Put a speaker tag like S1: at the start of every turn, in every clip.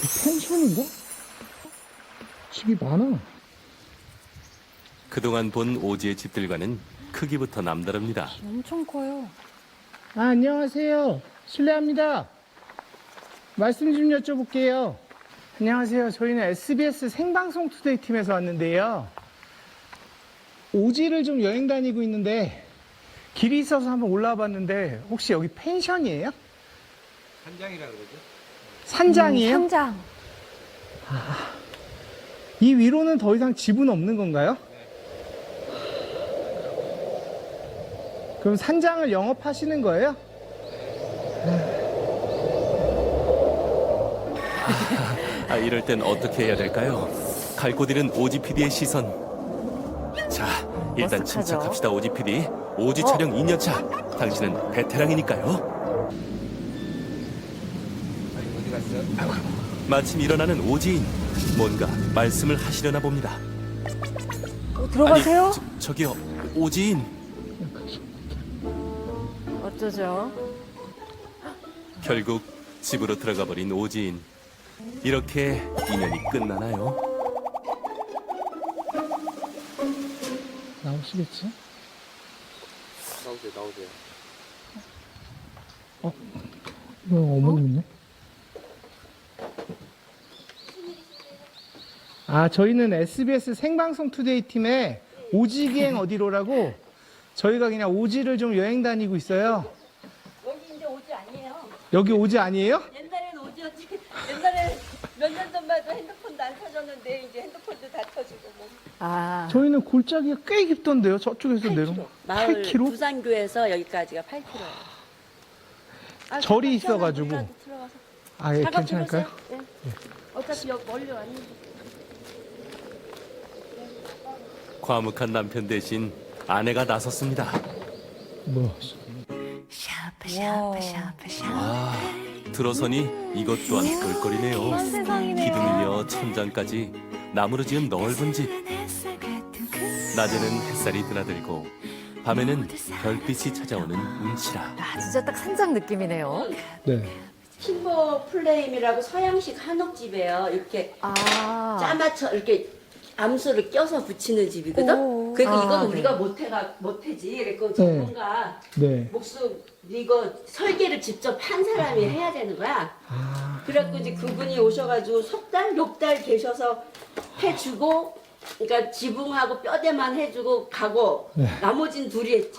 S1: 펜션인가? 집이 많아.
S2: 그동안 본 오지의 집들과는 크기부터 남다릅니다.
S3: 엄청 커요.
S1: 안녕하세요. 실례합니다. 말씀 좀 여쭤볼게요. 안녕하세요. 저희는 SBS 생방송 투데이 팀에서 왔는데요. 오지를 좀 여행 다니고 있는데 길이 있어서 한번 올라와 봤는데 혹시 여기 펜션이에요?
S4: 산장이라 그러죠?
S1: 산장이에요?
S3: 산장.
S1: 이 위로는 더 이상 집은 없는 건가요? 그럼 산장을 영업하시는 거예요?
S2: 이럴 땐 어떻게 해야 될까요? 갈 곳 잃은 오지 PD의 시선. 자, 일단
S3: 어색하죠?
S2: 침착합시다, 오지 PD. 오지 촬영 2년차. 당신은 베테랑이니까요.
S4: 어디 갔어?
S2: 마침 일어나는 오지인. 뭔가 말씀을 하시려나 봅니다.
S3: 들어가세요?
S2: 저기요, 오지인.
S3: 어쩌죠?
S2: 결국 집으로 들어가 버린 오지인. 이렇게 인연이 끝나나요?
S1: 나오시겠지?
S4: 나오세요.
S1: 이거 어머님이네. 저희는 SBS 생방송 투데이 팀의 오지기행 어디로라고 저희가 그냥 오지를 좀 여행 다니고 있어요.
S5: 여기 이제 오지 아니에요.
S1: 여기 오지 아니에요?
S5: 옛날에는 오지였지. 옛날에 몇 년 전만 해도 핸드폰도 안 터졌는데 이제 핸드폰도 다 터지고 뭐.
S3: 아,
S1: 저희는 골짜기가 꽤 깊던데요. 저쪽에서 내려.
S5: 마을
S1: 8km?
S5: 부산교에서 여기까지가 8km예요.
S1: 절이 있어가지고. 예, 괜찮을까요?
S5: 네. 어차피 여기 멀리 왔는데.
S2: 과묵한 남편 대신 아내가 나섰습니다.
S1: 뭐.
S2: 와, 들어서니 이것 또한 볼거리네요.
S3: 한 세상이네요.
S2: 기둥이며 천장까지 나무로 지은 넓은 집. 낮에는 햇살이 드나들고 밤에는 별빛이 찾아오는 운치라.
S3: 진짜 딱 산장 느낌이네요.
S1: 네.
S5: 팀버 플레임이라고 서양식 한옥집이에요. 이렇게
S3: 아,
S5: 짜맞춰 이렇게 암소를 껴서 붙이는 집이거든.
S3: 오.
S5: 그러니까
S3: 아,
S5: 이건
S3: 네.
S5: 우리가 못해지. 그러니까 전문가
S1: 네.
S5: 목숨 이거 설계를 직접 한 사람이 해야 되는 거야. 그래갖고 이제 그분이 오셔가지고 석 달, 6달 계셔서 해주고, 그러니까 지붕하고 뼈대만 해주고 가고 나머지는 둘이 했지.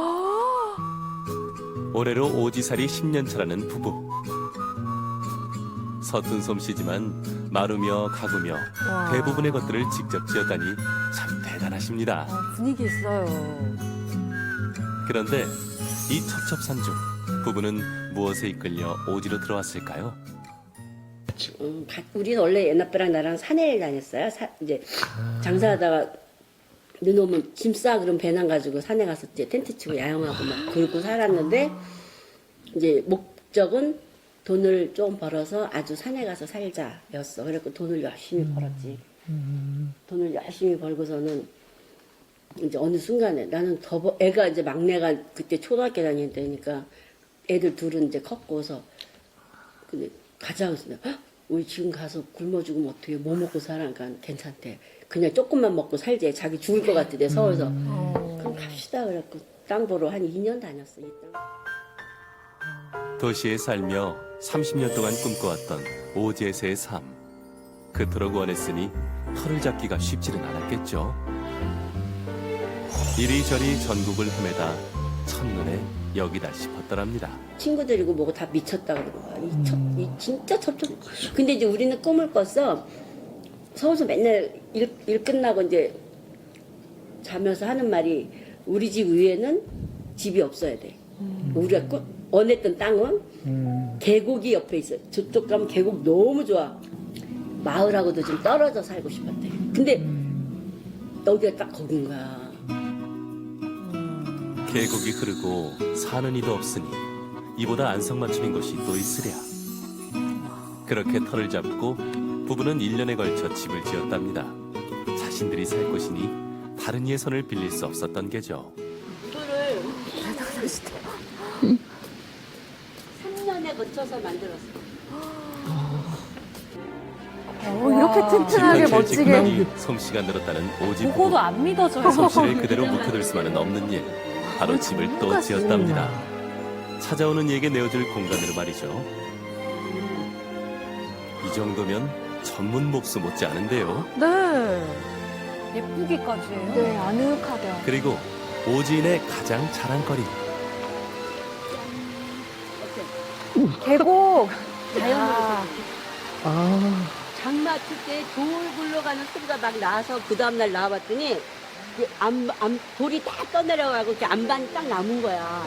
S2: 올해로 오지살이 10년 차라는 부부. 서툰 솜씨지만 마루며 가구며
S3: 와.
S2: 대부분의 것들을 직접 지었다니 참 대단하십니다.
S3: 분위기 있어요.
S2: 그런데 이 첩첩산중 부부는 무엇에 이끌려 오지로 들어왔을까요?
S5: 우리는 원래 옛날부랑 나랑 산에 다녔어요. 이제 장사하다가 눈 오면 짐 싸 그럼 배낭 가지고 산에 가서 이제 텐트 치고 야영하고 막 그러고 살았는데 이제 목적은 돈을 좀 벌어서 아주 산에 가서 살자였어. 그래갖고 돈을 열심히 벌었지. 돈을 열심히 벌고서는 이제 어느 순간에 나는 애가 이제 막내가 그때 초등학교 다닐 때니까 애들 둘은 이제 컸고서 근데 가자 그래서 우리 지금 가서 굶어 죽으면 어떻게 뭐 먹고 살아? 그러니까 괜찮대. 그냥 조금만 먹고 살지. 자기 죽을 것 같대 서울서. 그럼 갑시다 그래갖고 땅 보러 한 2년 다녔어. 이 땅.
S2: 도시에 살며 30년 동안 꿈꿔왔던 오지에서의 삶. 그토록 원했으니 털을 잡기가 쉽지는 않았겠죠. 이리저리 전국을 헤매다 첫눈에 여기다 싶었더랍니다.
S5: 친구들이고 뭐고 다 미쳤다 그러는 거야. 이 진짜 첩첩. 근데 이제 우리는 꿈을 꿨어. 서울서 맨날 일 끝나고 이제 자면서 하는 말이 우리 집 위에는 집이 없어야 돼. 우리가 원했던 땅은 계곡이 옆에 있어. 저쪽 가면 계곡 너무 좋아. 마을하고도 좀 떨어져 살고 싶었대. 근데 여기가 딱 거긴 거야.
S2: 계곡이 흐르고 사는 이도 없으니 이보다 안성맞춤인 곳이 또 있으랴. 그렇게 털을 잡고 부부는 1년에 걸쳐 집을 지었답니다. 자신들이 살 곳이니 다른 이의 손을 빌릴 수 없었던 게죠.
S5: 이거를 3년에 거쳐서 만들었어.
S3: 튼튼하게 멋지게.
S2: 직관이 솜씨가 늘었다는 오지 부부.
S3: 보고도 안 믿어져요.
S2: 솜씨를 그대로 묵혀둘 수만은 없는 일. 바로 집을 또
S3: 누가
S2: 지었답니다. 찾아오는 이에게 내어줄 공간으로 말이죠. 이 정도면 전문 목수 못지 않은데요.
S3: 네. 예쁘기까지 해요.
S6: 네, 아늑하게.
S2: 그리고 오지인의 가장 자랑거리.
S3: 계곡.
S5: 자연으로
S1: 아,
S5: 장 맞출 때 돌 굴러가는 소리가 막 나서 그 다음날 나와봤더니 이게 돌이 딱 떠내려가고 이렇게 안반이 딱 남은 거야.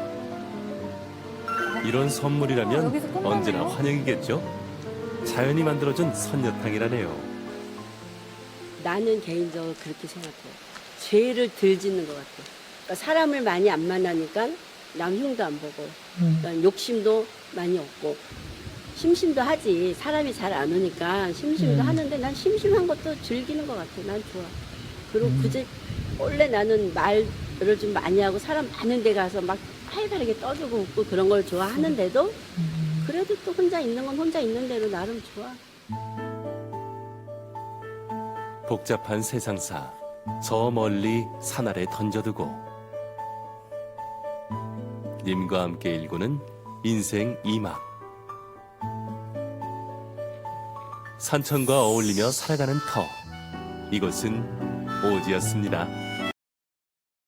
S2: 이런 선물이라면
S3: 여기서 끝나네요.
S2: 언제나 환영이겠죠. 자연이 만들어준 선녀탕이라네요.
S5: 나는 개인적으로 그렇게 생각해요. 죄를 덜 짓는 것 같아요. 그러니까 사람을 많이 안 만나니까 남 흉도 안 보고 그러니까 욕심도 많이 없고 심심도 하지. 사람이 잘 안 오니까 심심도 하는데 난 심심한 것도 즐기는 것 같아. 난 좋아. 그리고 그제 원래 나는 말을 좀 많이 하고 사람 많은 데 가서 막 활발하게 떠들고 웃고 그런 걸 좋아하는데도 그래도 또 혼자 있는 건 혼자 있는 대로 나름 좋아.
S2: 복잡한 세상사 저 멀리 산 아래 던져두고 님과 함께 일구는 인생 2막. 산천과 어울리며 살아가는 터. 이곳은 오지였습니다.